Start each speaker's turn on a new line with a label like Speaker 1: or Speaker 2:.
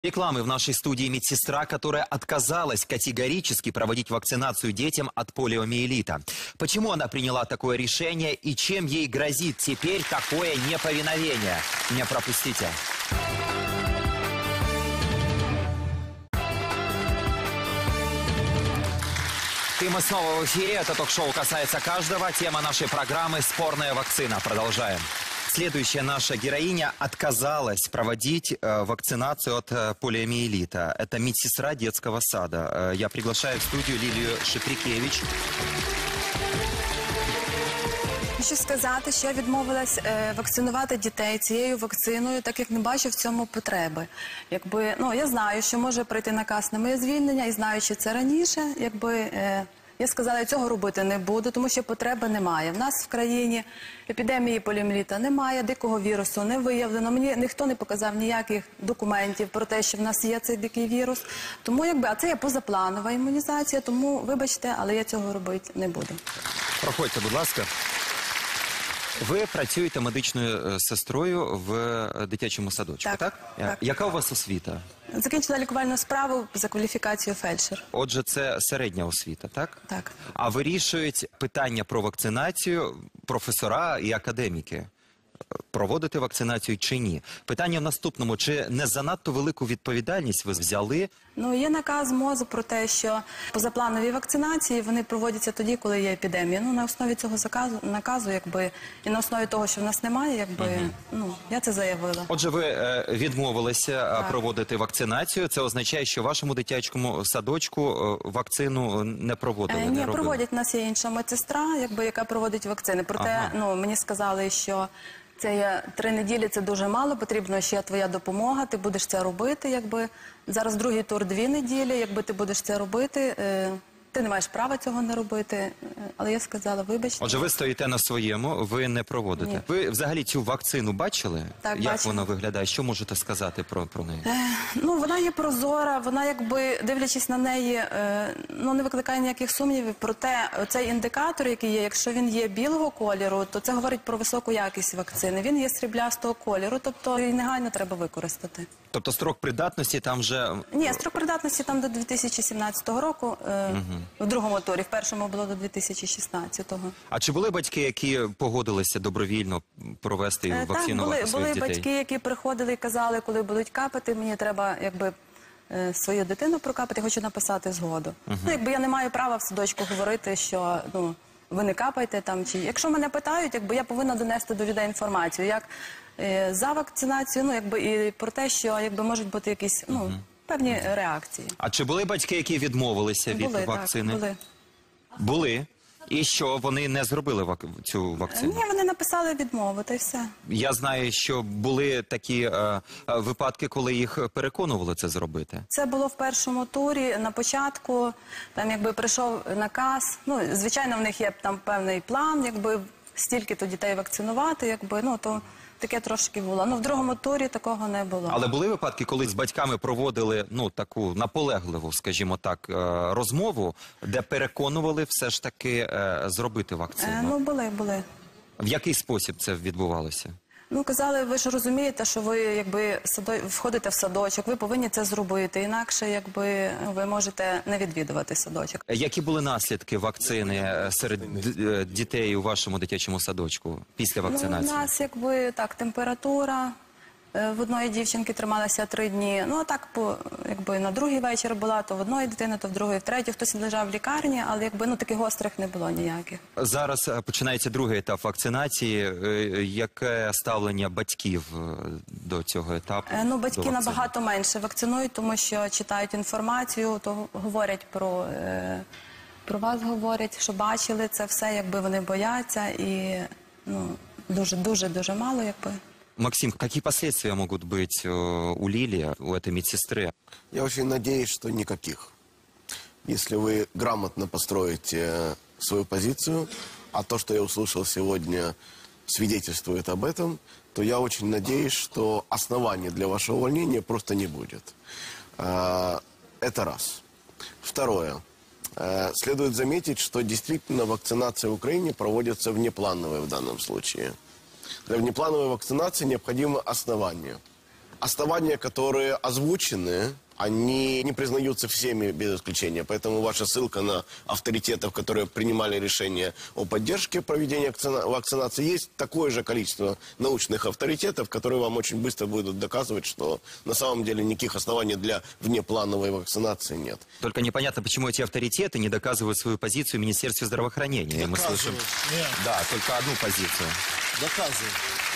Speaker 1: Рекламы в нашей студии медсестра, которая отказалась категорически проводить вакцинацию детям от полиомиелита. Почему она приняла такое решение и чем ей грозит теперь такое неповиновение? Не пропустите. И мы снова в эфире. Это ток-шоу «Касается каждого». Тема нашей программы «Спорная вакцина». Продолжаем. Следующая наша героиня отказалась проводить вакцинацию от полиомиелита. Это медсестра детского сада. Я приглашаю в студию Лілію Шикрікевич.
Speaker 2: Хочу сказати, що я відмовилась вакцинувати дітей цією вакциною, так як не бачу в цьому потреби. Я знаю, що може прийти наказ на моє звільнення, і знаючи це раніше, я сказала, я цього робити не буду, тому що потреби немає. В нас в країні епідемії поліомієліта немає, дикого вірусу не виявлено. Мені ніхто не показав ніяких документів про те, що в нас є цей дикий вірус. Тому, а це є позапланова імунізація, тому, вибачте, але я цього робити не буду.
Speaker 1: Проходьте, будь ласка. Ви працюєте медичною сестрою в дитячому садочку, так?
Speaker 2: Так.
Speaker 1: Яка у вас освіта?
Speaker 2: Закінчила лікувальну справу за кваліфікацією фельдшер.
Speaker 1: Отже, це середня освіта, так?
Speaker 2: Так.
Speaker 1: А вирішують питання про вакцинацію професора і академіки. Проводити вакцинацію чи ні? Питання в наступному. Чи не занадто велику відповідальність ви взяли?
Speaker 2: Є наказ МОЗу про те, що позапланові вакцинації, вони проводяться тоді, коли є епідемія. На основі цього наказу, і на основі того, що в нас немає, я це заявила.
Speaker 1: Отже, ви відмовилися проводити вакцинацію. Це означає, що в вашому дитячому садочку вакцину не проводили?
Speaker 2: Ні, проводять. У нас є інша медсестра, яка проводить вакцини. Проте, мені сказали, що це є 3 неділі, це дуже мало, потрібна ще твоя допомога, ти будеш це робити, Зараз другий тур 2 неділі, ти будеш це робити, ти не маєш права цього не робити, але я сказала, вибачте.
Speaker 1: Отже, ви стоїте на своєму, ви не проводите.
Speaker 2: Ні.
Speaker 1: Ви взагалі цю вакцину бачили?
Speaker 2: Так,
Speaker 1: як
Speaker 2: бачила.
Speaker 1: вона виглядає? Що можете сказати про неї?
Speaker 2: Вона є прозора, вона, дивлячись на неї, не викликає ніяких сумнівів. Проте, цей індикатор, який є, якщо він є білого кольору, то це говорить про високу якість вакцини. Він є сріблястого кольору, тобто її негайно треба використати.
Speaker 1: Тобто строк придатності там вже...
Speaker 2: Ні, строк придатності там до 2017 року, в другому турі, в першому було до 2016-го.
Speaker 1: А чи були батьки, які погодилися добровільно провести вакцинувати своїх дітей?
Speaker 2: Були батьки, які приходили і казали, коли будуть капати, мені треба, свою дитину прокапати, хочу написати згоду. Я не маю права в садочку говорити, що, ви не капайте там, чи... Якщо мене питають, я повинна донести до людей інформацію, як за вакцинацію, і про те, що, можуть бути якісь, певні реакції.
Speaker 1: А чи були батьки, які відмовилися від вакцини?
Speaker 2: Були.
Speaker 1: Були? І що, вони не зробили цю вакцину?
Speaker 2: Ні, вони написали відмову, та й все.
Speaker 1: Я знаю, що були такі випадки, коли їх переконували це зробити.
Speaker 2: Це було в першому турі, на початку, там прийшов наказ, звичайно, в них є там певний план, стільки-то дітей вакцинувати, то таке трошки було. В другому турі такого не було.
Speaker 1: Але були випадки, коли з батьками проводили, таку наполегливу, скажімо так, розмову, де переконували все ж таки зробити вакцину?
Speaker 2: Були.
Speaker 1: В який спосіб це відбувалося?
Speaker 2: Казали, ви ж розумієте, що ви, входите в садочок, ви повинні це зробити, інакше, ви можете не відвідувати садочок.
Speaker 1: Які були наслідки вакцини серед дітей у вашому дитячому садочку після вакцинації?
Speaker 2: У нас, температура в одної дівчинки трималася 3 дні. На другий вечір була, то в одної дитини, то в другої, в третій. Хтось лежав в лікарні, але, таких гострих не було ніяких.
Speaker 1: Зараз починається другий етап вакцинації. Яке ставлення батьків до цього етапу?
Speaker 2: Батьки набагато менше вакцинують, тому що читають інформацію, то говорять про вас, говорять, що бачили це все, вони бояться, і дуже мало,
Speaker 1: Максим, какие последствия могут быть у Лилии, у этой медсестры?
Speaker 3: Я очень надеюсь, что никаких. Если вы грамотно построите свою позицию, а то, что я услышал сегодня, свидетельствует об этом, то я очень надеюсь, что оснований для вашего увольнения просто не будет. Это раз. Второе. Следует заметить, что действительно вакцинация в Украине проводится внеплановой в данном случае. Для внеплановой вакцинации необходимо основание. основания, которые озвучены, они не признаются всеми без исключения. Поэтому ваша ссылка на авторитетов, которые принимали решение о поддержке проведения вакцинации, есть такое же количество научных авторитетов, которые вам очень быстро будут доказывать, что на самом деле никаких оснований для внеплановой вакцинации нет.
Speaker 1: Только непонятно, почему эти авторитеты не доказывают свою позицию в Министерстве здравоохранения. Мы слышим,
Speaker 4: Нет,
Speaker 1: да, только одну позицию.
Speaker 4: доказывают.